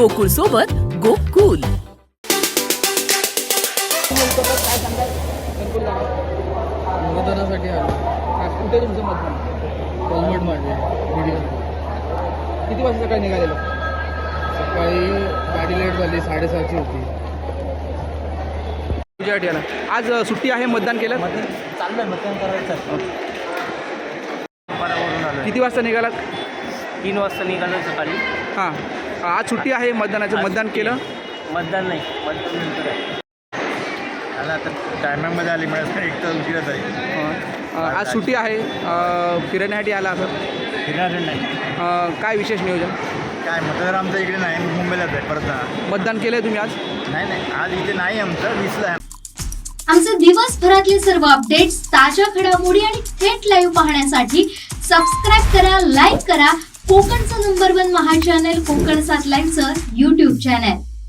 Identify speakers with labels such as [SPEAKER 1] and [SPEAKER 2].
[SPEAKER 1] गोकुळ सोबत गोकुल.
[SPEAKER 2] मतदानासाठी आलो. कुठे तुमचं मतदान? कोलमट माझे व्हिडिओ. किती वाजता सकाळी निघालेलो? सकाळी गाडी लेट झाली, 7:30ची होती. तुझ्यासाठी आला. आज सुट्टी आहे, मतदान केलं?
[SPEAKER 3] चाललंय मतदान करायचं.
[SPEAKER 2] किती वाजता निघालात?
[SPEAKER 3] 3 वाजता निघालो सकाळी.
[SPEAKER 2] हां, आज सुट्टी आहे मतदानाचं. मतदान केलं?
[SPEAKER 3] मतदान नाही, मतदान नंतर आहे.
[SPEAKER 4] आला तर टायमिंगमध्ये आली मिळत नाही, एक तर उशिरा जाईल.
[SPEAKER 2] आज सुट्टी आहे, फिरण्यासाठी आला असं.
[SPEAKER 4] फिरणार नाही.
[SPEAKER 2] काय विशेष नियोजन?
[SPEAKER 4] काय मतदार आमचं इकडे नाही, मुंबईलाच आहे परत.
[SPEAKER 2] मतदान केलं आहे तुम्ही आज?
[SPEAKER 4] नाही, आज इथे नाही, आमचं 20ला आहे.
[SPEAKER 5] आमचे दिवसभरातले सर्व अपडेट्स, ताज्या घडामोडी आणि थेट लाईव्ह पाहण्यासाठी सबस्क्राईब करा, लाईक करा कोकणचं नंबर 1 महा चॅनल कोकण 7 लाईव्हचं YouTube चॅनल.